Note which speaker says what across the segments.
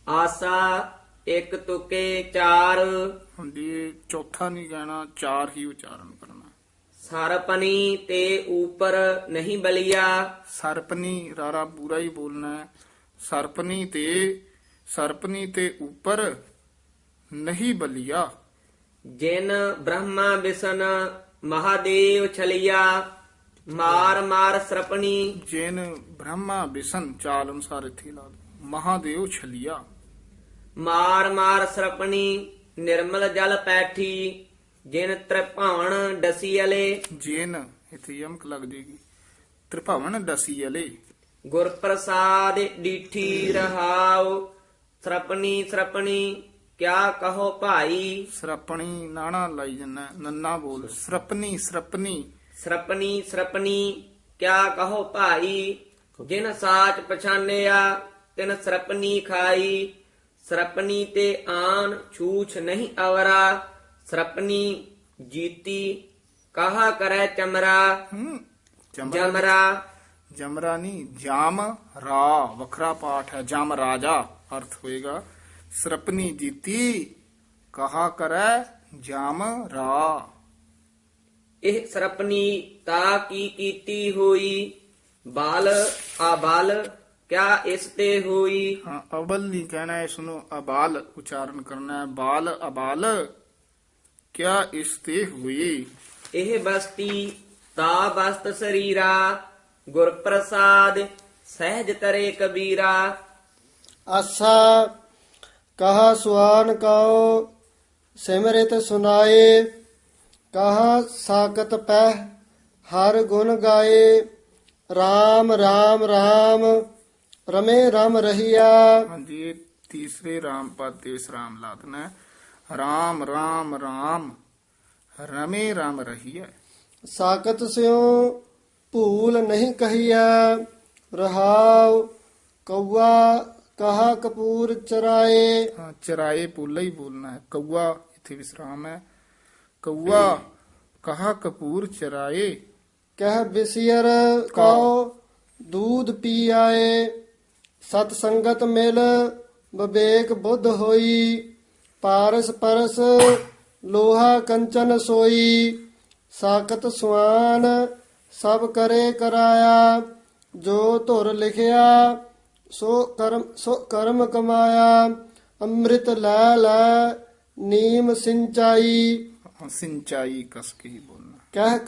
Speaker 1: ਆਸਾ ਇੱਕ ਤੁਕੇ ਚਾਰ।
Speaker 2: ਹੁੰਦੀ ਇਹ ਚੌਥਾ ਨਹੀਂ ਕਹਿਣਾ, ਚਾਰ ਹੀ ਉਚਾਰਨ ਕਰਨਾ।
Speaker 1: ਸਰਪਨੀ ਤੇ ਉਪਰ ਨਹੀਂ ਬਲਿਆ।
Speaker 2: ਸਰਪਨੀ ਰਾਰਾ ਪੂਰਾ ਹੀ ਬੋਲਣਾ ਹੈ। ਸਰਪਨੀ ਤੇ ਉੱਪਰ ਨਹੀਂ ਬਲਿਆ।
Speaker 1: ਜਿਨ ਬ੍ਰਹਮਾ ਵਿਸ਼ਨ ਮਹਾਦੇਵ ਛਲਿਆ। ਮਾਰ ਮਾਰ ਸਰਪਣੀ।
Speaker 2: ਜਿਨ ਬ੍ਰਹਮਾ ਵਿਸ਼ਨ, ਚਾਲ ਅਨੁਸਾਰ ਇੱਥੇ ਲਾ ਦਿਓ। ਮਹਾਦੇਵ ਛਲਿਆ।
Speaker 1: ਮਾਰ ਮਾਰ ਸਰਪਣੀ ਨਿਰਮਲ ਜਲ ਪੈਠੀ। ਜਿਨ ਤ੍ਰਿਭਾਵਨ ਡਸੀ ਅਲੇ।
Speaker 2: ਜਿਨ ਇੱਥੇ ਯਮਕ ਲੱਗ ਜੇਗੀ। ਤ੍ਰਿਭਾਵਨ ਡਸੀ ਅਲੇ।
Speaker 1: ਗੁਰ ਪ੍ਰਸਾਦ ਡੀਠੀ ਰਹਾਉ। ਸਰਪਣੀ ਸਰਪਣੀ ਕਿਆ ਕਹੋ ਭਾਈ।
Speaker 2: ਸਰਪਣੀ ਨਾਣਾ ਲਾਈ ਜੰਨਾ, ਨੰਨਾ ਬੋਲ। ਸਰਪਨੀ ਸਰਪਨੀ।
Speaker 1: ਸਰਪਣੀ ਸਰਪਣੀ ਕਿਆ ਕਹੋ ਭਾਈ। ਜਿਨ ਸਾਚ ਪਛਾਨਿਆ ਤਿਨ ਸਰਪਣੀ ਖਾਈ। ਸਰਪਣੀ ਤੇ ਆਨ ਛੂਛ ਨਹੀਂ ਅਵਰਾ। ਸਰਪਣੀ ਜੀਤੀ ਕਹਾ ਕਰੈ ਚਮਰਾ। ਜਮਰਾ
Speaker 2: ਜਮਰਾ ਨਹੀਂ, ਜਾਮ ਰਾ ਵੱਖਰਾ ਪਾਠ ਹੈ। ਜਮ ਰਾਜਾ ਅਰਥ ਹੋਏਗਾ। ਸਰਪਨੀ ਜੀਤੀ ਕਹਾ ਕਰੈ ਜਾਮ ਰਾ।
Speaker 1: ਇਹ ਸਰਪਣੀ ਤਾ ਕੀ ਕੀਤੀ ਹੋਈ। ਬਾਲ ਆਬਲ ਕਿਆ ਇਸ ਤੇ ਹੋਈ।
Speaker 2: ਹਾਂ, ਅਬਲ ਨਹੀਂ ਕਹਿਣਾ, ਇਸ ਨੂੰ ਅਬਾਲ ਉਚਾਰਨ ਕਰਨਾ ਹੈ। ਬਾਲ ਅਬਾਲ ਕਿਆ ਇਸ ਤੇ ਹੋਈ।
Speaker 1: ਇਹ ਬਸਤੀ ਤਾ ਬਸਤ ਸਰੀਰਾ। ਗੁਰ ਪ੍ਰਸਾਦ ਸਹਿਜ ਤਰੇ ਕਬੀਰਾ।
Speaker 3: ਆਸਾ ਕਹਾ ਸੁਆਨ ਕਉ ਸਿਮਰਿਤ ਸੁਨਾਏ। ਕਹਾ ਸਾਕਤ ਪਹਿ ਹਰ ਗੁਣ ਗਾਏ। RAM RAM RAM ਰਮੇ ਰਮ ਰਹੀਆ।
Speaker 2: ਹਾਂਜੀ, ਇਹ ਤੀਸਰੇ ਰਾਮ ਪਦ ਤੇ ਵਿਸਰਾਮ ਲਾ ਦੇਣਾ ਹੈ। ਰਾਮ ਰਾਮ ਰਾਮ ਰਮੇ ਰਾਮ ਰਹੀ ਹੈ।
Speaker 3: ਸਾਕਤ ਸਿਉ ਭੂਲ ਨਹੀਂ ਕਹੀਆ। ਰਹਾਉ ਕਊਆ ਕਹਾ ਕਪੂਰ ਚਰਾਏ।
Speaker 2: ਹਾਂ, ਚਰਾਏ ਪੋਲਾ ਹੀ ਬੋਲਣਾ ਹੈ। ਕਊਆ ਇੱਥੇ ਵਿਸਰਾਮ ਹੈ। ਕਊਆ ਕਹਾ ਕਪੂਰ ਚਰਾਏ।
Speaker 3: ਕਹਿ ਬਿਸਿਰ ਕਉ ਦੂਧ ਪੀ ਆਏ। ਸਤ ਸੰਗਤ ਮਿਲ ਵਿਵੇਕ ਬੁੱਧ ਹੋਈ। ਪਾਰਸ ਪਰਸ ਲੋਹਾ ਕੰਚਨ ਸੋਈ। ਸਾਕਤ ਸੁਆਨ ਸਭ ਕਰੇ ਕਰਾਇਆ। ਜੋ ਧੁਰ ਲਿਖਿਆ ਸੋ ਕਰਮ ਕਮਾਇਆ। ਅੰਮ੍ਰਿਤ ਲੈ ਲੈ ਨੀਮ ਸਿੰਚਾਈ।
Speaker 2: ਸਿੰਚਾਈ ਕਸ ਕੇ ਹੀ ਬੋਲਣਾ।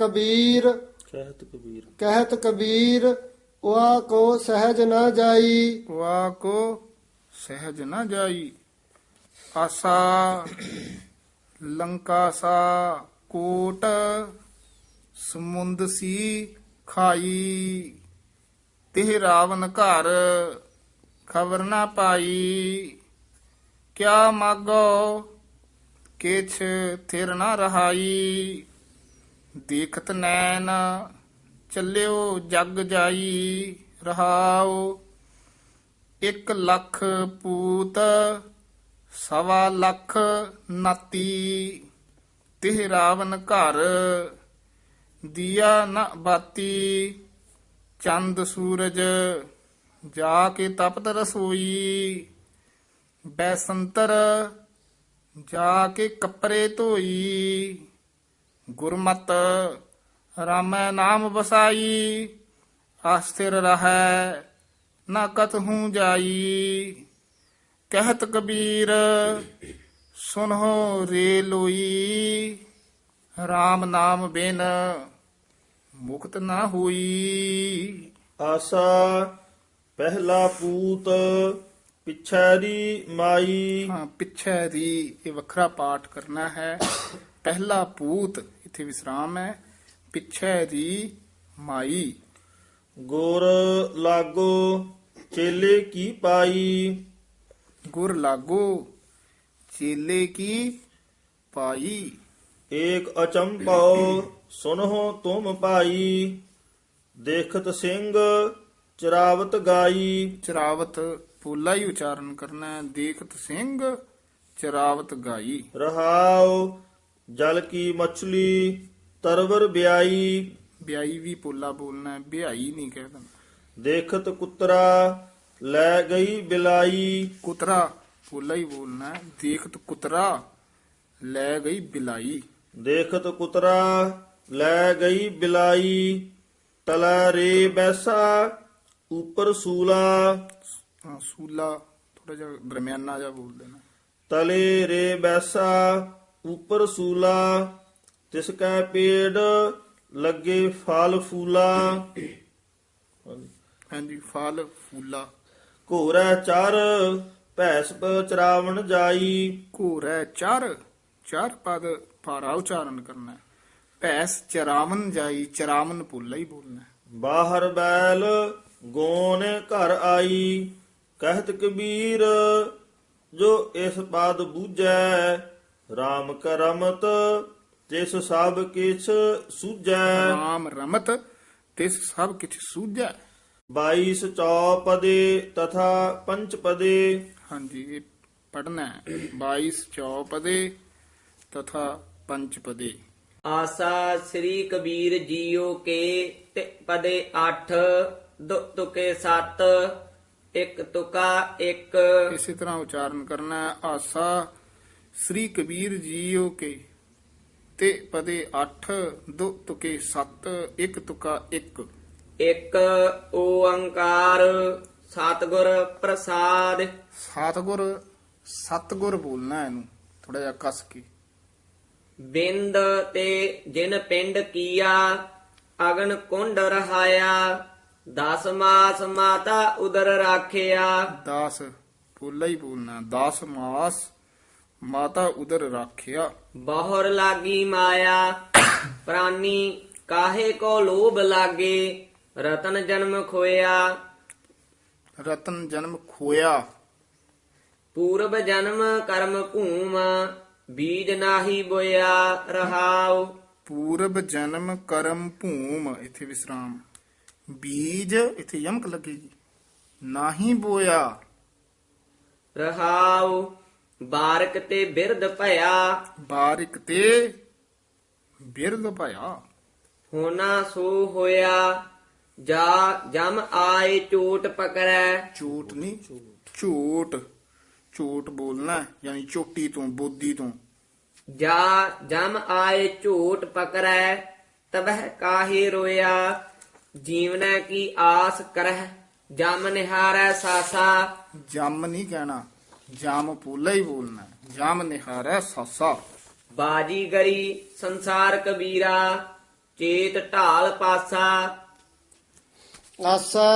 Speaker 3: ਕਹਿਤ ਕਬੀਰ ਵਾ ਕੋ ਸਹਿਜ ਨਾ ਜਾਈ।
Speaker 2: ਵਾ ਕੋ ਸਹਿਜ ਨਾ ਜਾਈ। ਆਸਾ ਲੰਕਾ ਸਾ ਕੋਟ ਸਮੁੰਦ ਸੀ ਖਾਈ। ਤਿਹ ਰਾਵਨ ਘਰ ਖਬਰ ਨਾ ਪਾਈ। ਕਿਆ ਮਾਗੋ ਕਿਛ ਥਿਰ ਨਾ ਰਹਾਈ। ਦੇਖਤ ਨੈਣ ਚੱਲਿਓ ਜਗ ਜਾਈ। ਰਹਾਉ 1,00,000 ਪੂਤ 1,25,00,000 ਨਾਤੀ। ਤਿਹ ਰਾਵਨ ਘਰ ਦੀਆ ਨ ਬਾਤੀ। ਚੰਦ ਸੂਰਜ ਜਾ ਕੇ ਤਪਤ ਰਸੋਈ। ਬੈਸੰਤਰ ਜਾ ਕੇ ਕੱਪੜੇ ਧੋਈ। ਗੁਰਮਤ ਰਾਮੈ ਨਾਮ ਵਸਾਈ। ਆਸਥਿਰ ਰਹੈ ਨਾ ਕਤਹੂ ਜਾਈ। ਕਹਿਤ ਕਬੀਰ ਸੁਨਹੁ ਰੇ ਲੋਈ। RAM ਨਾਮ ਬਿਨ ਮੁਕਤ ਨਾ ਹੋਈ।
Speaker 4: ਆਸਾ ਪਹਿਲਾ ਪੂਤ ਪਿਛੈਰੀ ਮਾਈ।
Speaker 2: ਹਾਂ, ਪਿੱਛੇ ਦੀ ਇਹ ਵੱਖਰਾ ਪਾਠ ਕਰਨਾ ਹੈ। ਪਹਿਲਾ ਪੂਤ ਇੱਥੇ ਵਿਸਰਾਮ ਹੈ। ਪਿੱਛੇ ਦੀ ਮਾਈ।
Speaker 4: ਗੁਰ ਲਾਗੋ ਚੇਲੇ ਕੀ ਪਾਈ।
Speaker 2: ਗੁਰ ਲਾਗੋ ਚੇਲੇ ਕੀ ਪਾਈ।
Speaker 4: ਏਕ ਅਚੰਭਉ ਸੁਨਹੁ ਤੁਮ ਭਾਈ। ਦੇਖਤ ਸਿੰਘ ਚਰਾਵਤ ਗਾਈ।
Speaker 2: ਚਰਾਵਤ ਪੋਲਾ ਹੀ ਉਚਾਰਨ ਕਰਨਾ ਹੈ। ਦੇਖਤ ਸਿੰਘ ਚਰਾਵਤ ਗਾਈ।
Speaker 4: ਰਹਾਉ ਜਲ ਕੀ ਮਛਲੀ ਤਰਵਰ ਬਿਆਈ।
Speaker 2: ਬਿਆਈ ਵੀ ਪੋਲਾ ਬੋਲਣਾ ਹੈ, ਬਿਆਈ ਨਹੀਂ ਕਹਿ ਦੇਣਾ।
Speaker 4: ਦੇਖਤ ਕੁਤਰਾ ਲੈ ਗਈ ਬਿਲਾਈ।
Speaker 2: ਕੁਤਰਾ ਪੋਲਾ ਹੀ ਬੋਲਣਾ ਹੈ। ਦੇਖਤ ਕੁਤਰਾ ਲੈ ਗਈ ਬਿਲਾਈ।
Speaker 4: ਦੇਖਤ ਕੁਤਰਾ ਲੈ ਗਈ ਬਿਲਾਈ, ਤਲੈ ਰੇ ਬੈਸਾ ਉਪਰ ਸੂਲਾ।
Speaker 2: ਸੂਲਾ ਥੋੜਾ ਜਿਹਾ ਦਰਮਿਆਨਾ ਜਿਹਾ ਬੋਲ ਦੇਣਾ।
Speaker 4: ਤਲੇ ਰੇ ਬੈਸਾ ਉਪਰ ਸੂਲਾ, ਤਿਸ ਕੈ ਪੇੜ ਲੱਗੇ ਫਲ ਫੂਲਾ।
Speaker 2: ਹਾਂਜੀ, ਫਲ ਫੂਲਾ।
Speaker 4: ਘੋਰੈ ਚਰ ਭੈਸ ਚਰਾਵਣ ਜਾਈ,
Speaker 2: ਘੋਰੈ ਚਰ, ਚਾਰ ਪਦ ਭਾਰਾ ਉਚਾਰਨ ਕਰਨਾ ਹੈ। ਭੈਸ ਚਰਾਵਨ ਜਾਈ, ਚਰਾਵਨ ਪੋਲਾ ਹੀ ਬੋਲਣਾ ਹੈ।
Speaker 4: ਬਾਹਰ ਬੈਲ ਗੋਨ ਘਰ ਆਈ, ਕਹਿਤ ਕਬੀਰ ਜੋ ਇਸ ਪਦ ਬੂਝੈ, RAM ਕਰਮਤ ਤਿਸ ਸਭ ਕਿਛ ਸੂਝੈ।
Speaker 2: ਰਾਮ ਰਮਤ ਤਿਸ ਸਭ ਕਿਛ ਸੂਝੈ।
Speaker 4: 22 ਚੌਪਦੇ ਤਥਾ ਪੰਚਪਦੇ।
Speaker 2: ਹਾਂਜੀ, ਇਹ ਪੜਨਾ ਹੈ। 22 ਚੌਪਦੇ ਤਥਾ ਪੰਚਪਦੇ।
Speaker 1: ਆਸਾ ਸ੍ਰੀ ਕਬੀਰ ਜੀਓ ਕੇ ਤੇ ਪਦੇ 8 ਦੋ ਤੁਕੇ 7 ਇੱਕ ਤੁਕਾ 1।
Speaker 2: ਇਸੇ ਤਰ੍ਹਾਂ ਉਚਾਰਨ ਕਰਨਾ ਹੈ। ਆਸਾ ਸ੍ਰੀ ਕਬੀਰ ਜੀਓ ਕੇ ਤੇ ਪਦੇ 8 ਦੋ ਤੁਕੇ 7 ਇੱਕ ਤੁਕਾ 1।
Speaker 1: ਇੱਕ ਓੰਕਾਰ ਸਤਿਗੁਰ ਪ੍ਰਸਾਦ।
Speaker 2: ਸਤਿਗੁਰ ਬੋਲਣਾ ਇਹਨੂੰ ਥੋੜਾ ਜਿਹਾ ਕਸ ਕੇ।
Speaker 1: ਬਿੰਦ ਤੇ ਜਿਨ ਪਿੰਡ ਕੀਆ, ਅਗਨ ਕੁੰਡ ਰਹਾਇਆ, 10 ਮਾਸ ਮਾਤਾ ਉਦਰ ਰਾਖਿਆ।
Speaker 2: 10 ਪੋਲਾ ਹੀ ਬੋਲਣਾ। 10 ਮਾਸ ਮਾਤਾ ਉਦਰ ਰਾਖਿਆ।
Speaker 1: ਬਹੁਰ ਲਾਗੀ ਮਾਇਆ, ਪ੍ਰਾਨੀ ਕਾਹੇ ਕੋ ਲੋਭ ਲਾਗੇ, ਰਤਨ ਜਨਮ ਖੋਇਆ।
Speaker 2: ਰਤਨ ਜਨਮ ਖੋਇਆ।
Speaker 1: ਪੂਰਬ ਜਨਮ ਕਰਮ ਭੂਮ, ਬੀਜ ਨਾਹੀ ਬੋਇਆ ਰਹਾਉ।
Speaker 2: ਪੂਰਬ ਜਨਮ ਕਰਮ ਭੂਮ, ਇੱਥੇ ਵਿਸਰਾਮ। ਬੀਜ ਇੱਥੇ ਯਮਕ ਲੱਗੇਗੀ। ਨਾਹੀ ਬੋਇਆ
Speaker 1: ਰਹਾਉ। ਬਾਰਕ ਤੇ ਬਿਰਧ ਭਇਆ,
Speaker 2: ਬਾਰਿਕ ਤੇ ਬਿਰਦ ਭਇਆ।
Speaker 1: ਹੋਣਾ ਸੋ ਹੋਇਆ, ਜਾ ਜਮ ਆਏ ਚੋਟ ਪਕੜੈ।
Speaker 2: ਝੂਠ ਨਹੀਂ, ਝੂਠ। ਝੂਠ ਬੋਲਣਾ ਹੈ, ਯਾਨੀ ਚੋਟੀ ਤੋਂ, ਬੋਦੀ ਤੋਂ।
Speaker 1: ਜਾ ਜਮ ਆਏ ਝੂਟ ਪਕੜੈ, ਤਬਹਿ ਕਾਹੇ ਰੋਇਆ। ਜੀਵਨੈ ਕੀ ਆਸ ਕਰਹਿ, ਜਮ ਨਿਹਾਰੈ ਸਾਸਾ।
Speaker 2: ਜਮ ਨਹੀਂ ਕਹਿਣਾ, ਜਮ ਪੋਲਾ ਹੀ ਬੋਲਣਾ ਹੈ। ਜਮ ਨਿਹਾਰੈ ਸਾਸਾ।
Speaker 1: ਬਾਜੀਗਰੀ ਸੰਸਾਰ ਕਬੀਰਾ, ਚੇਤ ਢਾਲ ਪਾਸਾ।
Speaker 3: ਆਸਾ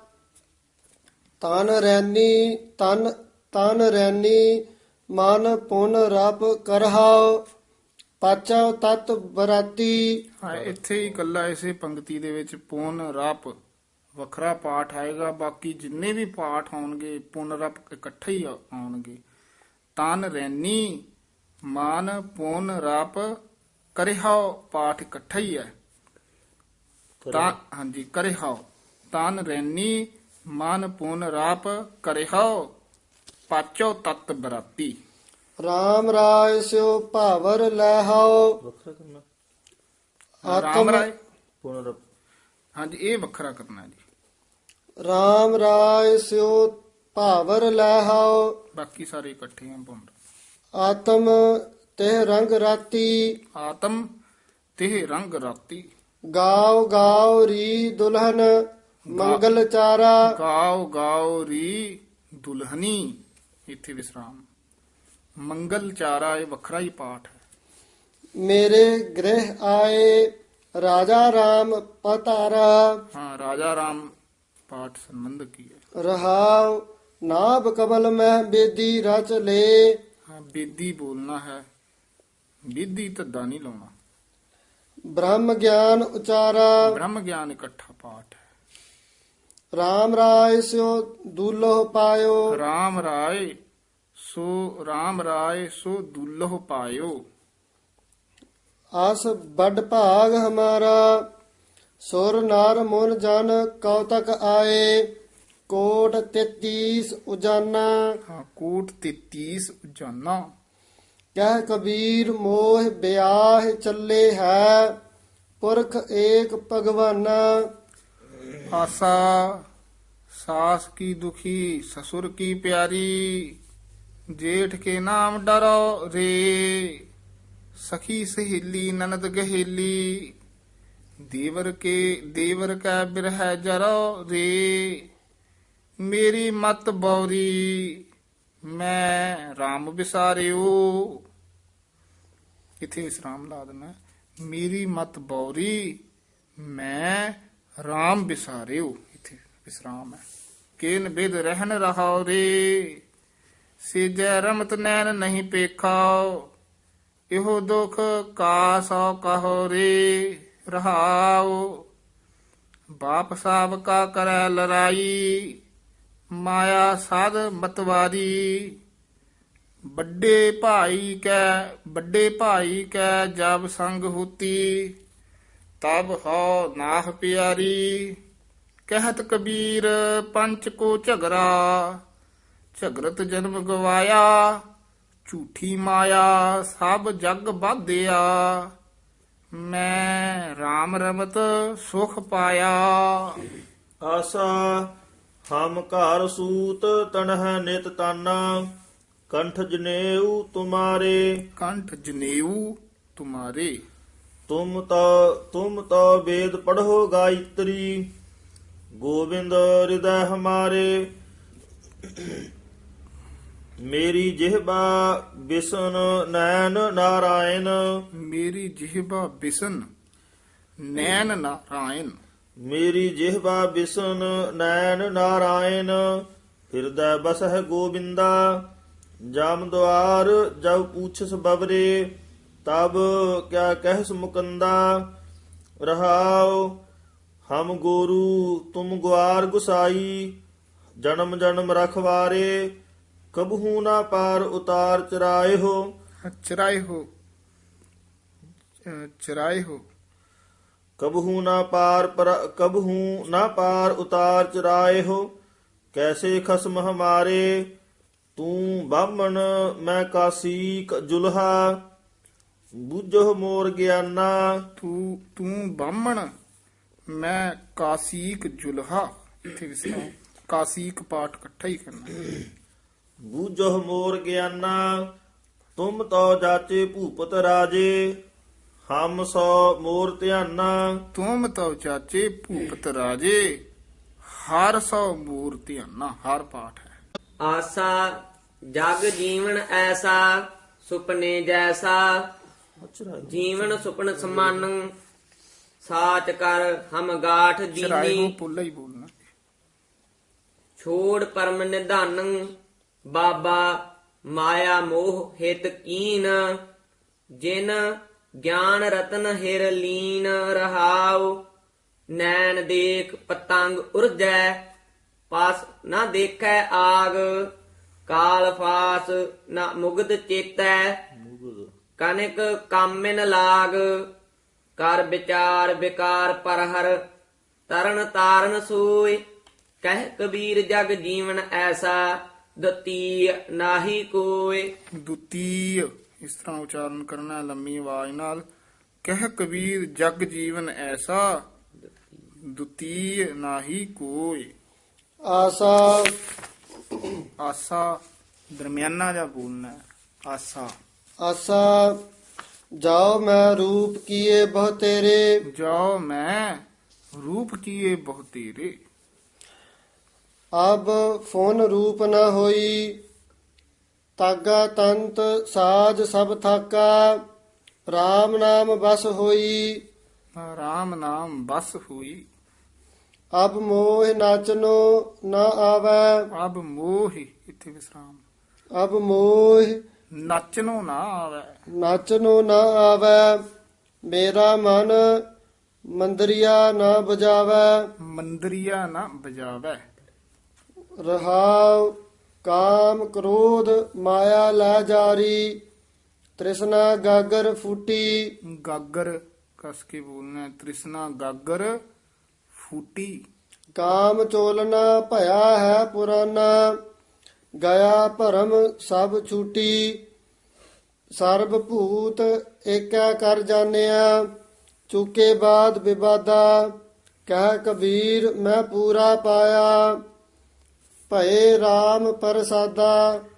Speaker 3: ਤਨ ਰੈਨੀ ਤਨ ਰੈਨੀ, ਮਨ ਪੁਨ ਰਬ ਕਰਹਾਉ, ਪਾਚਾ ਤਤ ਬਰਾਤੀ।
Speaker 2: ਹਾਂ, ਇੱਥੇ ਹੀ ਇਕੱਲਾ ਇਸੇ ਪੰਕਤੀ ਦੇ ਵਿੱਚ ਪੁਨ ਰਪ ਵੱਖਰਾ ਪਾਠ ਆਏਗਾ। ਬਾਕੀ ਜਿੰਨੇ ਵੀ ਪਾਠ ਆਉਣਗੇ ਪੁਨ ਰਪ ਇਕੱਠੇ ਹੀ ਆਉਣਗੇ। ਤਨ ਰੈਨੀ, ਮਨ ਪੁਨ ਰਪ ਕਰਿਹਾਉ ਪਾਠ ਇਕੱਠਾ ਹੀ ਹੈ। ਤਾਂ ਹਾਂਜੀ, ਕਰਿਹਾਉ। ਤਨ ਰੈਨੀ ਮਨ ਪੁਨ ਰਾਪ ਕਰਿਹਾਉ, ਪਾਚੋ ਤਤ ਬਰਾਤੀ।
Speaker 3: RAM ਰਾਇ ਸਿਓ ਭਾਵਰ ਲੈਹਾਓ,
Speaker 4: ਵੱਖਰਾ ਕਰਨਾ
Speaker 2: ਰਾਮ ਰਾਏ।
Speaker 4: ਪੁਨਰ
Speaker 2: ਹਾਂਜੀ, ਇਹ ਵੱਖਰਾ ਕਰਨਾ ਜੀ।
Speaker 3: RAM ਰਾਇ ਸਿਓ ਭਾਵਰ ਲੈਹਾਓ,
Speaker 2: ਬਾਕੀ ਸਾਰੇ ਇਕੱਠੇ ਹਨ। ਪੁਨ
Speaker 3: ਆਤਮ ਤੇ ਰੰਗ ਰਾਤੀ,
Speaker 2: ਆਤਮ ਤੇ ਰੰਗ ਰਾਤੀ।
Speaker 3: ਗਾਉ ਗਾਉ ਰੀ ਦੁਲਹਨ ਮੰਗਲ ਚਾਰਾ।
Speaker 2: ਗਾਉ ਗਾਉ ਰੀ ਦੁਲਹਨੀ, ਇੱਥੇ ਵਿਸਰਾਮ। ਮੰਗਲ ਚਾਰਾ ਇਹ ਵੱਖਰਾ ਹੀ ਪਾਠ ਹੈ।
Speaker 3: ਮੇਰੇ ਗ੍ਰਹਿ ਆਏ ਰਾਜਾ RAM ਪਤਾਰਾ।
Speaker 2: ਹਾਂ, ਰਾਜਾ ਰਾਮ ਪਾਠ ਸੰਬੰਧ ਕੀ ਹੈ।
Speaker 3: ਰਹਾਉ ਨਾਭ ਕਮਲ ਮਹਿ ਬੇਦੀ ਰਚ ਲੇ,
Speaker 2: ਹਾਂ, ਬੇਦੀ ਬੋਲਣਾ ਹੈ। ਬੇਦੀ ਧੱਦਾ ਨਹੀਂ ਲਾਉਣਾ।
Speaker 3: ਬ੍ਰਹਮ ਗਿਆਨ ਉਚਾਰਾ।
Speaker 2: ਬ੍ਰਹਮ ਗਿਆਨ ਇਕੱਠਾ ਪਾਠ ਹੈ।
Speaker 3: RAM ਰਾਇ ਸਿਓ ਦੁਲਹ ਪਾਇਓ,
Speaker 2: ਰਾਮ ਰਾਏ ਸੋ ਦੁੱਲਹ ਪਾਇਓ।
Speaker 3: ਆਸ ਵੱਡ ਭਾਗ ਹਮਾਰਾ, ਸੁਰ ਨਰ ਮਨ ਜਨ ਕੌਤਕ ਆਏ, ਕੋਟ 33 ਉਜਾਨਾ।
Speaker 2: ਹਾਂ, ਕੋਟ 33 ਉਜਾਨਾ।
Speaker 3: ਕਹਿ ਕਬੀਰ ਮੋਹ ਬਿਆਹ ਚੱਲੇ ਹੈ, ਪੁਰਖ ਏਕ ਭਗਵਾਨਾ।
Speaker 2: ਆਸਾ ਸਾਸ ਕੀ ਦੁਖੀ, ਸਸੁਰ ਕੀ ਪਿਆਰੀ। ਜੇਠ ਕੇ ਨਾਮ ਡਰੋ ਰੇ, ਸਖੀ ਸਹੇਲੀ ਨਨਦ ਗਹੇਲੀ, ਦੇਵਰ ਕੈ ਬਿਰਹਿ ਜਰੋ ਰੇ, ਮੇਰੀ ਮਤ ਬੌਰੀ ਮੈਂ RAM ਵਿਸਾਰਿਓ। ਇਥੇ ਵਿਸਰਾਮ ਲਾ ਦੇਣਾ, ਮੇਰੀ ਮਤ ਬੌਰੀ ਮੈਂ RAM ਵਿਸਾਰਿਓ, ਇਥੇ ਵਿਸਰਾਮ ਹੈ। ਕੇਨ ਬਿਦ ਰਹਿਨ ਰਹਾਉ ਰੇ, ਸਿਜੈ ਰਮਤ ਨੈਣ ਨਹੀਂ ਪੇਖਾਓ, ਇਹੋ ਦੁਖ ਕਾ ਸੋ ਕਹੋ ਰੇ ਰਹਾਉ। ਬਾਪ ਸਾਬ ਕਾ ਕਰੈ ਲੜਾਈ, ਮਾਇਆ ਸਾਧ ਮਤਵਾਰੀ, ਵੱਡੇ ਭਾਈ ਕੈ ਜਬ ਸੰਗ ਹੋਤੀ, ਤਬ ਹੋ ਨਾਹ ਪਿਆਰੀ। ਕਹਿਤ ਕਬੀਰ ਪੰਚ ਕੋ ਝਗਰਾ, ਝਗਰਤ ਜਨਮ ਗਵਾਇਆ, ਝੂਠੀ ਮਾਇਆ ਸਭ ਜਗ ਬਾਧਿਆ, ਮੈਂ RAM ਰਮਤ ਸੁਖ ਪਾਇਆ।
Speaker 4: ਆਸਾ ਹਮ ਘਰ ਸੂਤ ਤਨਹ ਨਿਤ ਤਾਨਾ, ਕੰਠ ਜਨੇਊ ਤੁਮਾਰੇ,
Speaker 2: ਕੰਠ ਜਨੇਊ ਤੁਮਾਰੇ,
Speaker 4: ਤੁਮ ਤੋ ਵੇਦ ਪੜ੍ਹੋ ਗਾਇਤਰੀ, ਗੋਬਿੰਦ ਹਿਰਦੈ ਹਮਾਰੇ। ਮੇਰੀ ਜਿਹਬਾ ਬਿਸਨ ਨੈਣ ਨਾਰਾਇਣ,
Speaker 2: ਮੇਰੀ ਜਿਹਬਾ ਬਿਸਨ ਨੈਣ ਨਾਰਾਇਣ,
Speaker 4: ਮੇਰੀ ਜਿਹਬਾ ਬਿਸਨ ਨੈਣ ਨਾਰਾਇਣ, ਹਿਰਦੈ ਬਸਹਿ ਗੋਬਿੰਦਾ, ਜਾਮ ਦੁਆਰ ਜਬ ਪੂਛਸ ਬਬਰੇ, ਤਬ ਕਿਆ ਕਹਿਸ ਮੁਕੰਦਾ। ਰਹਾਉ ਹਮ ਗੋਰੂ ਤੁਮ ਗੁਆਰ ਗੁਸਾਈ, ਜਨਮ ਜਨਮ ਰਖਵਾਰੇ, ਕਬਹੂ ਨਾ ਪਾਰ ਉਤਾਰ ਚਰਾਏ ਹੋ।
Speaker 2: ਚਰਾਏ ਹੋ, ਚਰਾਏ ਹੋ,
Speaker 4: ਕਬਹੂ ਨਾ ਪਾਰ ਉਤਾਰ ਚਰਾਏ ਹੋ, ਕੈਸੇ ਖਸਮ ਹਮਾਰੇ, ਤੂੰ ਬਾਹਮਣ ਮੈਂ ਕਾਸੀਕ ਜੁਲਹਾ, ਬੂਝੋ ਮੋਰ ਗਿਆਨਾ।
Speaker 2: ਤੂੰ ਬਾਹਮਣ ਮੈਂ ਕਾਸੀਕ ਜੁਲਹਾ, ਇੱਥੇ ਵਿਸਰਾਮ, ਕਾਸੀਕ ਪਾਠ ਇਕੱਠਾ ਹੀ ਕਰਨਾ।
Speaker 4: ਬੂਝੋ ਮੋਰ ਗਿਆਨਾ, ਤੁਮ ਤੋ ਜਾਚੇ ਭੂਪਤ ਰਾਜੇ, ਹਮ ਸੋ ਮੋਰ ਧਿਆਨਾ।
Speaker 2: ਤੁਮ ਤਉ ਚਾਚੇ ਭੂਪਤ ਰਾਜੇ, ਹਰ ਸੋ ਮੂਰ ਧਿਆਨਾ, ਹਰ ਪਾਠ ਹੈ।
Speaker 1: ਆਸਾ ਜਗ ਜੀਵਨ ਐਸਾ, ਸੁਪਨੇ ਜੈਸਾ, ਜੀਵਨ ਸੁਪਨ ਸਮਾਨ, ਸਾਚ ਕਰ ਹਮ ਗਾਠ
Speaker 2: ਚਰਾਏ ਹੋ
Speaker 1: ਜੀਨੀ,
Speaker 2: ਪੁੱਲਾ ਹੀ ਬੋਲਣਾ।
Speaker 1: ਛੋੜ ਪਰਮ ਨਿਧਾਨ, ਬਾਬਾ ਮਾਇਆ ਮੋਹ ਹਿਤ ਕੀਨ, ਜਿਨ ਗਿਆਨ ਰਤਨ ਹਿਰ ਲੀਨ ਰਹਾਉ। ਨੈਣ ਦੇਖ ਪਤੰਗ ਉਰਜੈ, ਪਾਸ ਨਾ ਦੇਖੈ ਆਗ, ਕਾਲ ਫਾਸ ਨਾ ਮੁਗਧ ਚੇਤੈ, ਕਨਿਕ ਕਾਮਿਨ ਲਾਗ। ਕਰ ਵਿਚਾਰ ਵਿਕਾਰ ਪਰਹਰ, ਤਰਨ ਤਾਰਨ ਸੋਇ, ਕਹਿ ਕਬੀਰ ਜਗ ਜੀਵਨ ਐਸਾ, ਦਤੀ ਨਾਹੀ ਕੋਇ।
Speaker 2: ਦੁਤੀਯ ਇਸ ਤਰ੍ਹਾਂ ਉਚਾਰਨ ਕਰਨਾ ਹੈ ਲੰਮੀ ਆਵਾਜ਼ ਨਾਲ। ਕਹਿ ਕਬੀਰ ਜਗ ਜੀਵਨ ਐਸਾ, ਦੁਤੀਯ ਨਾਹੀ ਕੋਈ।
Speaker 3: ਆਸਾ
Speaker 2: ਆਸਾ ਦਰਮਿਆਨਾ ਜਿਹਾ ਬੋਲਣਾ ਹੈ। ਆਸਾ
Speaker 3: ਆਸਾ ਜਾਓ ਮੈਂ ਰੂਪ ਕੀਏ ਬਹੁ ਤੇਰੇ,
Speaker 2: ਜੋ ਮੈਂ ਰੂਪ ਕੀਏ ਬਹੁ ਤੇਰੇ,
Speaker 3: ਅਬ ਫੋਨ ਰੂਪ ਨ ਹੋਈ, ਤਾਗਾ ਤੰਤ ਸਾਜ ਸਭ ਥਾਕਾ, RAM ਨਾਮ ਬਸ ਹੋਈ।
Speaker 2: ਰਾਮ ਨਾਮ ਬਸ ਹੋਈ।
Speaker 3: ਅਬ ਮੋਹ ਨਾਚਨੋ ਨ ਆਵੈ,
Speaker 2: ਅਬ ਮੋਹ, ਇੱਥੇ ਵਿਸਰਾਮ,
Speaker 3: ਅਬ ਮੋਹ
Speaker 2: ਨੱਚਨੋ ਨਾ ਆਵੇ,
Speaker 3: ਨਾਚਨੋ ਨ ਆਵੈ, ਮੇਰਾ ਮਨ ਮੰਦਰੀਆ ਨ ਬਜਾਵੈ।
Speaker 2: ਮੰਦਰੀਆ ਨਾ ਬਜਾਵੇ।
Speaker 3: ਰਹਾਉ ਕਾਮ ਕ੍ਰੋਧ ਮਾਇਆ ਲੈ ਜਾਰੀ, ਤ੍ਰਿਸ਼ਨਾ ਗਾਗਰ ਫੂਟੀ।
Speaker 2: ਗਾਗਰ ਕਸ ਕੇ ਬੋਲਣਾ ਹੈ। ਤ੍ਰਿਸ਼ਨਾ ਗਾਗਰ ਫੂਟੀ।
Speaker 3: ਕਾਮ ਚੋਲਨਾ ਭਇਆ ਹੈ ਪੁਰਾਨਾ, ਗਿਆ ਭਰਮ ਸਭ ਛੂਟੀ। ਸਰਬ ਭੂਤ ਏਕੈ ਕਰ ਜਾਣਿਆ, ਚੁਕੇ ਬਾਦ ਵਿਵਾਦਾ। ਕਹਿ ਕਬੀਰ ਮੈਂ ਪੂਰਾ ਪਾਇਆ, ਭਏ RAM ਪ੍ਰਸਾਦਾ।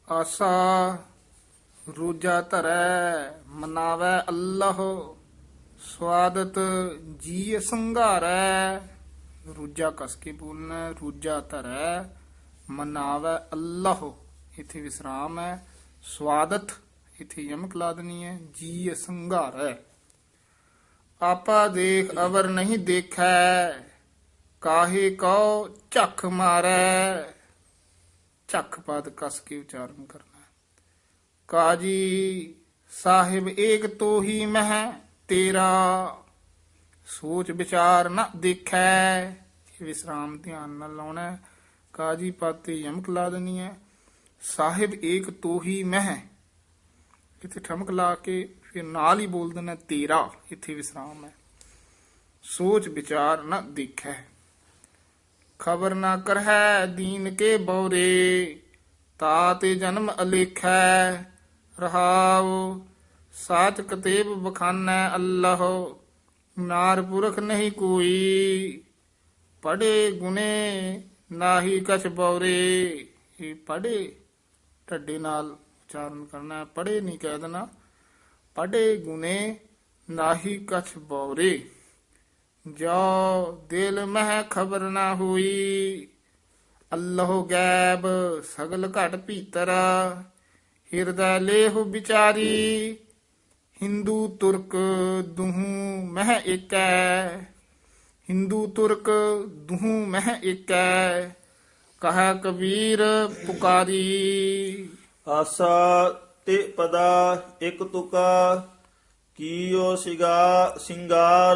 Speaker 2: ਆਸਾ ਰੋਜਾ ਧਰੈ ਮਨਾਵੈ ਅੱਲਾਹ ਸਵਾਦਤ ਜੀ ਸੰਘਾਰੈ। ਰੋਜਾ ਕਸ ਕੇ ਬੋਲਣਾ ਹੈ, ਰੋਜਾ ਧਰੈ ਮਨਾਵੈ ਅੱਲਾਹ ਇਥੇ ਵਿਸਰਾਮ ਹੈ। ਸਵਾਦਤ ਇਥੇ ਯਮਕ ਲਾ ਦੇਣੀ ਹੈ। ਜੀ ਸੰਘਾਰੈ। ਆਪਾ ਦੇਖ ਅਵਰ ਨਹੀਂ ਦੇਖੈ ਕਾਹੇ ਕਉ ਝੱਖ ਮਾਰੈ। ਝੱਖ ਪਦ ਕਸ ਕੇ ਉਚਾਰਨ ਕਰਨਾ ਹੈ। ਕਾਜੀ ਸਾਹਿਬ ਏਕ ਤੋਹੀ ਮਹਿ ਤੇਰਾ ਸੋਚ ਵਿਚਾਰ ਨਾ ਦੇਖੈ। ਇਹ ਵਿਸਰਾਮ ਧਿਆਨ ਨਾਲ ਲਾਉਣਾ ਹੈ। ਕਾਜੀ ਪਦ ਤੇ ਯਮਕ ਲਾ ਦੇਣੀ ਹੈ। ਸਾਹਿਬ ਏਕ ਤੋਹੀ ਮਹਿ ਇੱਥੇ ਠਮਕ ਲਾ ਕੇ ਫਿਰ ਨਾਲ ਹੀ ਬੋਲ ਦੇਣਾ ਤੇਰਾ ਇੱਥੇ ਵਿਸਰਾਮ ਹੈ। ਸੋਚ ਵਿਚਾਰ ਨਾ ਦੇਖੈ। ਖਬਰ ਨਾ ਕਰਹਿ ਦੀਨ ਕੇ ਬਉਰੇ ਤਾਤੇ ਜਨਮ ਅਲੇਖੈ। ਰਹਾਉ ਸਾਚ ਕਤੇਬ ਬਖਾਨੈ ਅੱਲਾਹ ਨਾਰ ਪੁਰਖ ਨਹੀਂ ਕੋਈ। ਪੜੇ ਗੁਨੇ ਨਾਹੀ ਕਛ ਬਉਰੇ। ਇਹ ਪੜੇ ਢੱਡੇ ਨਾਲ ਉਚਾਰਨ ਕਰਨਾ ਹੈ। ਪੜੇ ਨਹੀਂ ਕਹਿ ਦੇਣਾ। ਪੜੇ ਗੁਨੇ ਨਾਹੀ ਕਛ ਬਉਰੇ। ਜੋ ਦਿਲ ਮਹਿ ਖਬਰ ਨਾ ਹੋਈ ਅੱਲਾਹ ਗੈਬ ਸਗਲ ਘਟ ਭੀਤਰ। ਹਿਰਦੈ ਲੇਹੁ ਵਿਚਾਰੀ ਹਿੰਦੂ ਤੁਰਕ ਦੁਹੂ ਮਹਿ ਏਕੈ। ਹਿੰਦੂ ਤੁਰਕ ਦੁਹੂ ਮਹਿ ਏਕੈ ਕਹੈ ਕਬੀਰ ਪੁਕਾਰੀ।
Speaker 4: ਆਸਾ ਤੇ ਪਦਾ ਇਕ ਤੁਕਾ ਕੀਓ ਸਿੰਗਾਰ।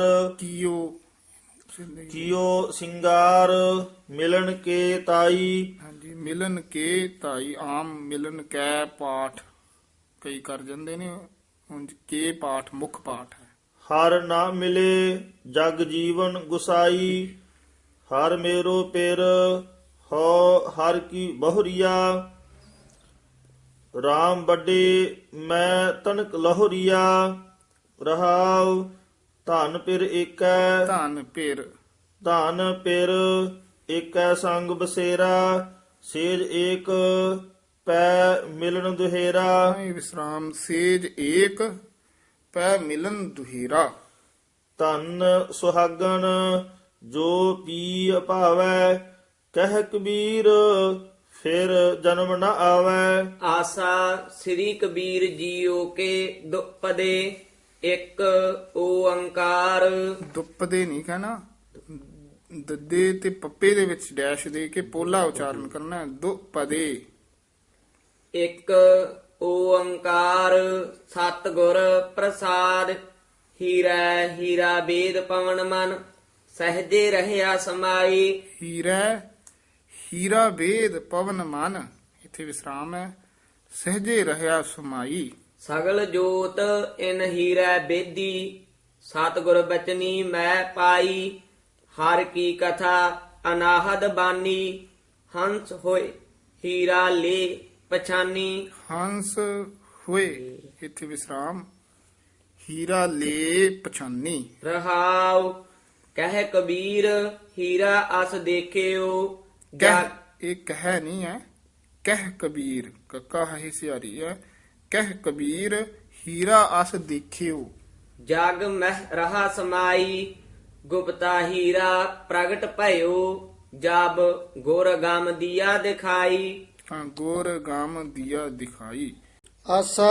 Speaker 4: ਕੀਓ ਸਿੰਗਾਰ ਮਿਲਣ ਕੇ ਤਾਈ।
Speaker 2: ਹਾਂਜੀ ਮਿਲਨ ਕੇ ਤਾਈ ਆਮ ਮਿਲਨ ਕੈ ਪਾਠ ਕਈ ਕਰ ਜਾਂਦੇ ਨੇ। ਉਂਝ ਕੇ ਪਾਠ ਮੁੱਖ ਪਾਠ ਹੈ।
Speaker 4: ਹਰ ਨਾ ਮਿਲੇ ਜਗ ਜੀਵਨ ਗੁਸਾਈ। ਹਰ ਮੇਰੋ ਪਿਰ ਹੋ ਹਰ ਕੀ ਬਹੁਰੀਆ। ਰਾਮ ਵੱਡੇ ਮੈਂ ਤਨਕ ਲਹੁਰੀਆ। ਰਹਾਉ ਧਨ ਪਿਰ ਏਕੈ।
Speaker 2: ਧਨ ਪਿਰ
Speaker 4: ਧਨ ਪਿਰ ਏਕੈ ਸੰਗ ਬਸੇਰਾ। ਸੇਜ ਏਕ ਪੈ ਮਿਲਨ ਦੁਹੇਰਾ।
Speaker 2: ਇਹ ਵਿਸਰਾਮ ਸੇਜ ਏਕ ਪੈ ਮਿਲਨ ਦੁਹੀਰਾ।
Speaker 4: ਧਨ ਸੁਹਾਗਣ ਜੋ ਪੀ ਭਾਵੈ ਕਹਿ ਕਬੀਰ ਫਿਰ ਜਨਮ ਨ ਆਵੈ।
Speaker 1: ਆਸਾ ਸ੍ਰੀ ਕਬੀਰ ਜੀਓ ਕੇ ਦੁਪਦੇ ਇੱਕ ਓੰਕਾਰ।
Speaker 2: ਦੁੱਪਦੇ ਨਹੀਂ ਕਹਿਣਾ। ਦੱਦੇ ਤੇ ਪੱਪੇ ਦੇ ਵਿੱਚ ਡੈਸ਼ ਦੇ ਕੇ ਪੋਲਾ ਉਚਾਰਨ ਕਰਨਾ ਹੈ। ਦੁਪਦੇ
Speaker 1: ਇੱਕ ਓੰਕਾਰ ਸਤਿਗੁਰ ਪ੍ਰਸਾਦ। ਹੀਰਾ ਹੀਰਾ ਵੇਦ ਪਵਨ ਮਨ ਸਹਜੇ ਰਹਿਆ ਸਮਾਈ।
Speaker 2: ਹੀਰਾ ਹੀਰਾ ਵੇਦ ਪਵਨ ਮਨ ਇੱਥੇ ਵਿਸਰਾਮ ਹੈ। ਸਹਜੇ ਰਹਿਆ ਸਮਾਈ।
Speaker 1: ਸਗਲ ਜੋਤ ਇਨ ਹੀਰਾ ਬੇਦੀ ਸਤਿਗੁਰ ਬਚਨੀ ਮੈਂ ਪਾਈ। ਹਰ ਕੀ ਕਥਾ ਅਨਾਹਦ ਬਾਨੀ ਹੰਸ ਹੋਏ ਹੀਰਾ ਲੇ ਪਛਾਨੀ।
Speaker 2: ਹੰਸ ਹੋਏ ਇੱਥੇ ਵਿਸਰਾਮ ਹੀਰਾ ਲੈ ਪਛਾਨੀ।
Speaker 1: ਰਹਾਉ ਕਹਿ ਕਬੀਰ ਹੀਰਾ ਅਸ ਦੇਖਿਓ।
Speaker 2: ਕਹਿ ਇਹ ਕਹਿ ਨਹੀਂ ਹੈ। ਕਹਿ ਕਬੀਰ ਕੱਕਾ ਹੈ ਸਿਆਰੀ ਹੈ। ਕਹਿ ਕਬੀਰ ਹੀਰਾ ਅਸ ਦੇਖਿਓ।
Speaker 1: ਜਗ ਮਹਿ ਰਹਾ ਸਮਾਈ ਗੁਪਤਾ ਹੀਰਾ ਪ੍ਰਗਟ ਭਇਓ। ਜਬ ਗੁਰ ਗਮ ਦੀਆ ਦਿਖਾਈ।
Speaker 2: ਹਾਂ ਗੋਰ ਗਾਮ ਦੀਆ ਦਿਖਾਈ।
Speaker 3: ਆਸਾ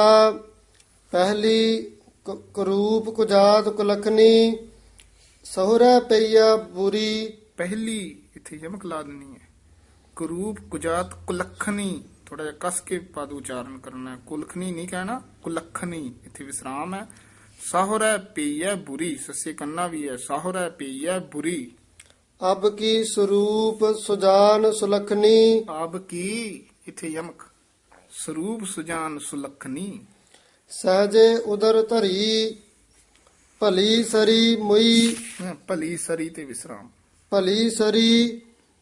Speaker 3: ਪਹਿਲੀ ਕਰੂਪ ਕੁਜਾਤ ਕੁਲਖਨੀ ਸਹੁਰਾ ਪਈਆ ਬੁਰੀ।
Speaker 2: ਪਹਿਲੀ ਇੱਥੇ ਯਮਕ ਲਾ ਦੇਣੀ ਹੈ। ਕਰੂਪ ਕੁਜਾਤ ਕੁਲਖਣੀ ਥੋੜਾ ਜਿਹਾ ਕਸ ਕੇ ਪਦ ਉਚਾਰਨ ਕਰਨਾ ਹੈ। ਕੁਲਖਣੀ ਨਹੀਂ ਕਹਿਣਾ ਕੁਲਖਣੀ ਇੱਥੇ ਵਿਸਰਾਮ ਹੈ। ਸਾਹੁਰਾ ਪਈਆ ਬੁਰੀ ਸੱਸੇ ਕੰਨਾ ਵੀ ਹੈ। ਸਾਹੁਰਾ ਪਈਆ ਬੁਰੀ।
Speaker 3: ਅਬ ਕੀ ਸਰੂਪ ਸੁਜਾਨ ਸੁਲਖਨੀ।
Speaker 2: ਆਬ ਕੀ ਇੱਥੇ ਯਮਕ ਸਰੂਪ ਸੁਜਾਨ ਸੁਲਖਣੀ।
Speaker 3: ਸਹਜੇ ਉਦਰ ਧਰੀ ਭਲੀ ਸਰੀ ਮੁਈ।
Speaker 2: ਭਲੀ ਸਰੀ ਤੇ ਵਿਸਰਾਮ।
Speaker 3: ਭਲੀ ਸਰੀ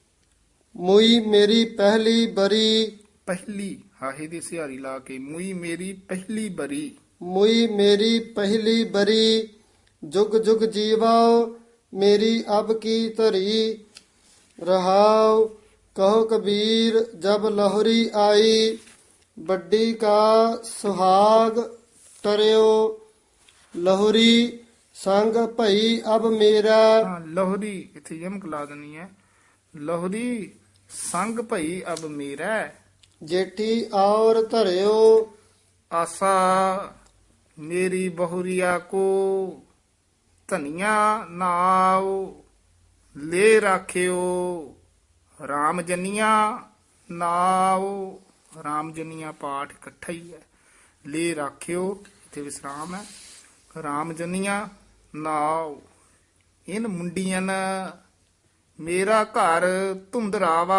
Speaker 3: ਮੁਈ ਮੇਰੀ ਪਹਿਲੀ ਬਰੀ।
Speaker 2: ਪਹਿਲੀ ਹਾਹੇ ਦੀ ਸਿਹਾਰੀ ਲਾ ਕੇ ਮੁਈ ਮੇਰੀ ਪਹਿਲੀ ਬਰੀ।
Speaker 3: ਮੁਈ ਮੇਰੀ ਪਹਿਲੀ ਬਰੀ ਜੁਗ ਜੁਗ ਜੀਵਾਓ ਮੇਰੀ ਅਬ ਕੀ ਧਰੀ। ਰਹਾਉ ਕਹੋ ਕਬੀਰ ਜਬ ਲਹੁਰੀ ਆਈ ਵੱਡੀ ਕਾ ਸੁਹਾਗ ਟਰਿਓ ਲਹੁਰੀ ਸੰਗ ਭਈ ਅਬ ਮੇਰਾ
Speaker 2: ਹਾਂ ਲੋਹਰੀ ਇੱਥੇ ਯਮਕ ਲਾ ਦੇਣੀ ਹੈ। ਲੋਹਰੀ ਸੰਗ ਭਈ ਅਬ ਮੇਰਾ
Speaker 3: ਜੇਠੀ ਔਰ ਧਰਿਓ
Speaker 2: ਆਸਾ ਮੇਰੀ ਬਹੁਰੀਆ ਕੋ ਧਨੀਆ ਨਾਉ ਲੈ ਰਾਖਿਓ ਰਾਮ ਜਨੀਆਂ ਨਾਉ ਰਾਮ ਜਨੀਆਂ ਪਾਠ ਇਕੱਠਾ ਹੀ ਹੈ। ਲੈ ਰਾਖਿਓ ਇੱਥੇ ਵਿਸਰਾਮ ਹੈ। ਰਾਮ ਜਨੀਆਂ ਨਾਉ ਇਨ ਮੁੰਡੀਆਂ ਮੇਰਾ ਘਰ ਧੁੰਦਰਾਵਾ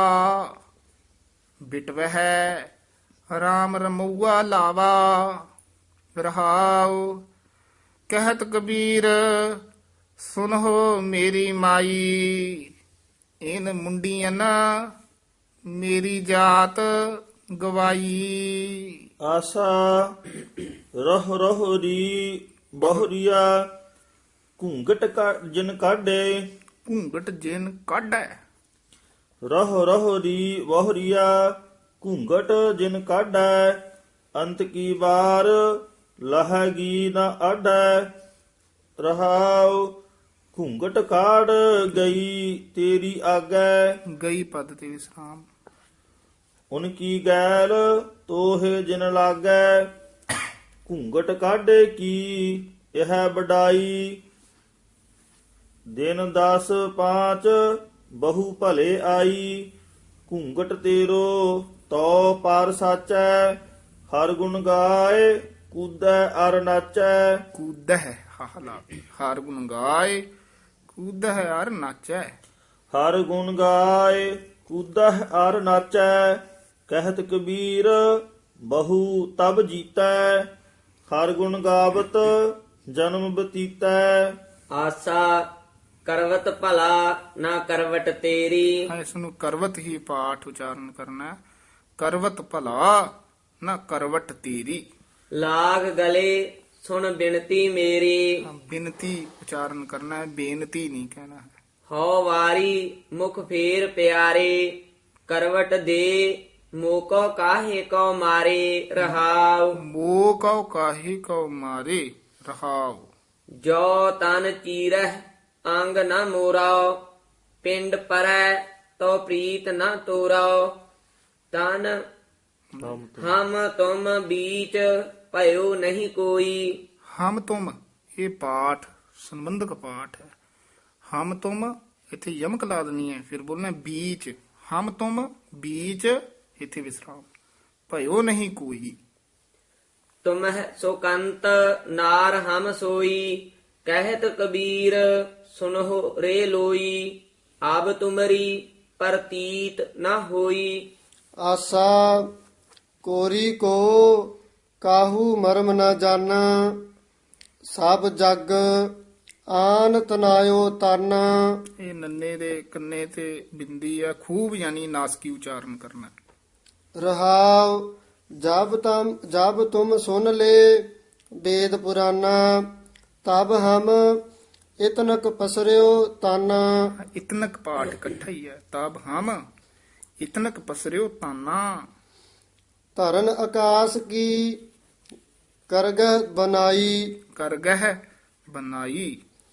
Speaker 2: ਬਿਟਵਹਿ ਰਾਮ ਰਮਊਆ ਲਾਵਾ ਰਹਾਉ ਕਹਿਤ ਕਬੀਰ ਸੁਨਹੁ ਮੇਰੀ ਮਾਈ ਇਨ ਮੁੰਡੀਆਂ ਮੇਰੀ ਜਾਤ ਗਵਾਈ।
Speaker 4: ਆਸਾ ਰਹ ਰਹ ਰੀ ਬਹੁਰੀਆ ਘੂੰਗਟ ਜਿਨ ਕਾਢੇ
Speaker 2: ਘੂੰਗਟ ਜਿਨ ਕਾਢੈ
Speaker 4: ਰਹ ਰਹ ਰੀ ਬਹੁਰੀਆ ਘੂੰਗਟ ਜਿਨ ਕਾਢੈ ਅੰਤ ਕੀ ਵਾਰ ਲਹਗੀ ਨ ਆਢੈ ਰਹਾਉ ਘੂੰਗਟ ਕਾੜ ਗਈ ਤੇਰੀ ਆਗੈ
Speaker 2: ਗਈ ਪਦ ਤੇ ਵਿਸਰਾਮ।
Speaker 4: ਉਨ ਕੀ ਗੈਲ ਤੋਹੇ ਜਿਨ ਲਾਗੈ ਘੂੰਗਟ ਕਾਢੇ ਕੀ ਇਹ ਬਡਾਈ ਦਿਨ 10 5 ਬਹੁ ਭਲੇ ਆਈ ਘੂੰਗਟ ਤੇਰੋ ਤੋ ਪਰ ਸਾਚੈ ਹਰ ਗੁਣ ਗਾਏ ਕੂਦੈ ਅਰ ਨਾਚੈ
Speaker 2: ਕੂਦਹਿ ਹਾਹ ਲਾ ਹਾਰ ਗੁਣ ਗਾਏ ਕੂਦਹਿ ਅਰ ਨਾਚੈ
Speaker 4: ਹਰ ਗੁਣ ਗਾਏ ਕੂਦੈ ਅਰ ਨਾਚੈ ਕਹਿਤ ਕਬੀਰ ਬਹੁ ਤਬ ਜੀਤੈ ਹਰ ਗੁਣ ਗਾਵਤ ਜਨਮ ਬਤੀਤੈ।
Speaker 1: ਆਸਾ ਕਰਵਤ ਭਲਾ ਨਾ ਕਰਵਟ ਤੇਰੀ।
Speaker 2: ਹਾਂ ਇਸ ਨੂੰ ਕਰਵਤ ਹੀ ਪਾਠ ਉਚਾਰਨ ਕਰਨਾ ਹੈ। ਕਰਵਤ ਭਲਾ ਨਾ ਕਰਵਟ ਤੇਰੀ।
Speaker 1: ਲਾਗ ਗਲੇ ਸੁਣ ਬਿਨਤੀ ਮੇਰੀ।
Speaker 2: ਹਾਂ, ਬਿਨਤੀ ਉਚਾਰਨ ਕਰਨਾ ਹੈ, ਬੇਨਤੀ ਨਹੀਂ ਕਹਿਣਾ ਹੈ।
Speaker 1: ਹਉ ਵਾਰੀ ਮੁਖ ਫੇਰ ਪਿਆਰੇ ਕਰਵਟ ਦੇ ਮੋਕੋ ਕਾਹੇ ਕੋ ਮਾਰੇ ਰਹਾਉ।
Speaker 2: ਮੋਹ ਕਉ ਕਾਹੀ ਕਉ ਮਾਰੇ ਰਹਾਉ।
Speaker 1: ਜੋ ਤਨ ਚੀਰਹਿ ਅੰਗ ਨ ਮੋਰਾਓ ਪਿੰਡ ਪਰੈ ਤੋ ਪ੍ਰੀਤ ਨ ਤੋਰਾਓ ਤਨ ਹਮ ਤੁਮ ਬੀਚ ਭਇਓ ਨਹੀਂ ਕੋਈ।
Speaker 2: ਹਮ ਤੁਮ ਇਹ ਪਾਠ ਸੰਬੰਧਕ ਪਾਠ ਹੈ। ਹਮ ਤੁਮ ਇੱਥੇ ਯਮਕ ਲਾ ਦੇਣੀ ਹੈ, ਫਿਰ ਬੋਲਣਾ ਬੀਚ। ਹਮ ਤੁਮ ਬੀਚ ਇੱਥੇ ਵਿਸਰਾਮ। ਭਇਓ ਨਹੀਂ ਕੋਈ।
Speaker 1: ਤੁਮਹਿ ਸੁਕੰਤ ਨਾਰ ਹਮ ਸੋਈ ਕਹਿਤ ਕਬੀਰ ਸੁਨਹੁ ਰੇ ਲੋਈ ਆਬ ਤੁਮਰੀ ਪ੍ਰਤੀਤ ਨ ਹੋਈ।
Speaker 3: ਆਸਾ ਕੋਰੀ ਕੋ ਕਾਹੂ ਮਰਮ ਨ ਜਾਣਾ ਸਭ ਜਗ ਆਨ ਤਨਾਇਓ ਤਨ।
Speaker 2: ਇਹ ਨੰਨੇ ਦੇ ਕੰਨੇ ਤੇ ਬਿੰਦੀ ਆ ਖੂਬ ਯਾਨੀ ਨਾਸਕੀ ਉਚਾਰਨ ਕਰਨਾ।
Speaker 3: ਰਹਾਉ जब तुम सुन ले वेद पुराना तब हम इतनक पसरियो ताना।
Speaker 2: ਇਤਨਕ ਪਾਠ ਇਕੱਠਾ ਹੀ ਹੈ। ਤਬ ਹਮ ਇਤਨਕ ਪਸਰਿਓ ਤਾਨਾ।
Speaker 3: धरन आकाश की करगह बनाई
Speaker 2: ਕਰਗਹਿ ਬਨਾਈ।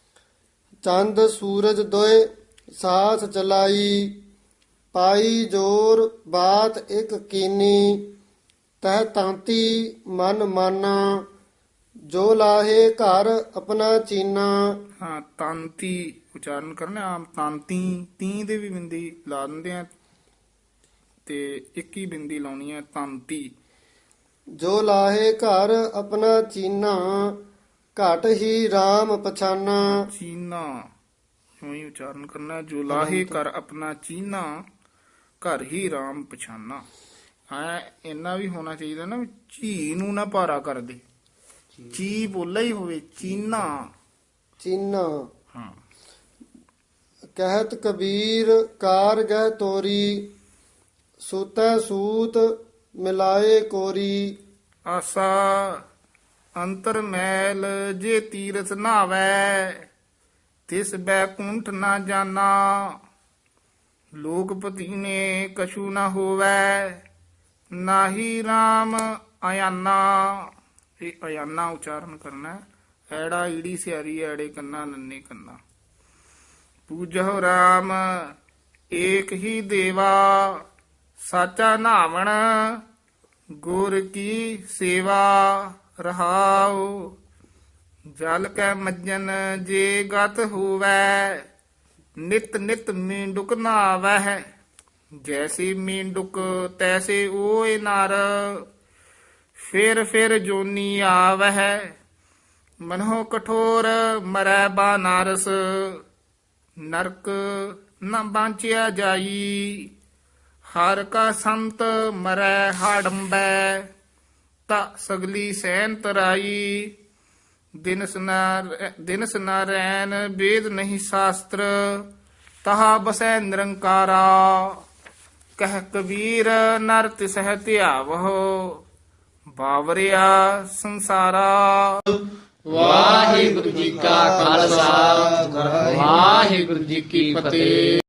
Speaker 3: चंद सूरज दोय साथ चलाई पाई जोर बात एक कीनी तह तांती मन माना जो लाहे घर अपना चीना।
Speaker 2: ਹਾਂ ਤਾਂਤੀ ਉਚਾਰਨ ਕਰਨਾ। ਆਮ ਤਾਂਤੀ ਤੀ ਦੇ ਵੀ ਬਿੰਦੀ ਲਾ ਦਿੰਦੇ ਆ ਤੇ ਇੱਕ ਹੀ ਬਿੰਦੀ ਲਾਉਣੀ ਹੈ ਤਾਂਤੀ।
Speaker 3: जो लाहे घर अपना चीना घट ही राम पछाना।
Speaker 2: ਚੀਨਾ ਇਉਂ ਹੀ ਉਚਾਰਨ ਕਰਨਾ। ਜੋ ਲਾਹੇ ਕਰ ਆਪਣਾ ਚੀਨਾ ਘਰ ਹੀ ਰਾਮ ਪਛਾਨਾ। ਹਾਂ ਇੰਨਾ ਵੀ ਹੋਣਾ ਚਾਹੀਦਾ ਨਾ ਵੀ ਝੀ ਨੂੰ ਨਾ ਭਾਰਾ ਕਰ ਦੇ। ਚੀ ਬੋਲਾ ਹੀ ਹੋਵੇ ਚੀਨਾ।
Speaker 3: चीना
Speaker 2: ਹਾਂ
Speaker 3: कहत कबीर कार गह तोरी सूतै सूत मिलाए कोरी।
Speaker 2: ਆਸਾ ਅੰਤਰ ਮੈਲ ਜੇ ਤੀਰਥ ਨਾਵੈ ਤਿਸ ਬੈਕੁੰਠ ਨਾ ਜਾਣਾ। ਲੋਕਪਤੀ ਨੇ ਕਛੂ ਨਾ ਹੋਵੈ ਨਾਹੀ RAM ਅਯਾਨਾ, ਇਹ ਅਯਾਨਾ ਉਚਾਰਨ ਕਰਨਾ ਹੈ। ਐੜਾ ਈੜੀ ਸਿਆਰੀ ਐੜੇ ਕੰਨਾ ਨੰਨੇ ਕੰਨਾ। ਪੂਜਹੁ RAM ਏਕ ਹੀ ਦੇਵਾ, ਸਾਚਾ ਨਾਵਣ ਗੁਰ ਕੀ ਸੇਵਾ ਰਹਾਉ। ਜਲ ਕੈ ਮੱਜਨ ਜੇ ਗਤ ਹੋਵੈ, ਨਿਤ ਨਿਤ ਮੀਂਡੁਕ ਨਾਵਹਿ। ਜੈਸੀ ਮੀਂਡੁਕ ਤੈਸੇ ਓਏ ਨਰ, ਫਿਰ ਫਿਰ ਜੋਨੀ ਆਵਹਿ। ਮਨਹੁ ਕਠੋਰ ਮਰੈ ਬਾਨਾਰਸ, ਨਰਕ ਨ ਬਾਂਚਿਆ ਜਾਈ। ਹਰ ਕਾ ਸੰਤ ਮਰੈ ਹਾਡੰਬੈ, ਤਾ ਸਗਲੀ ਸੈਨ ਤਰਾਈ। ਦਿਨਸ ਨ ਰੈਨ ਵੇਦ ਨਹੀਂ ਸ਼ਾਸਤਰ, ਤਹਾ ਬਸੈ ਨਿਰੰਕਾਰਾ। ਕਹਿ ਕਬੀਰ ਨਰ ਤਿਸਹਿ ਧਿਆਵਹੁ, ਬਾਵਰਿਆ ਸੰਸਾਰਾ।
Speaker 5: ਵਾਹਿਗੁਰੂ ਜੀ ਕਾ ਖਾਲਸਾ, ਵਾਹਿਗੁਰੂ ਜੀ ਕੀ ਫਤਿਹ।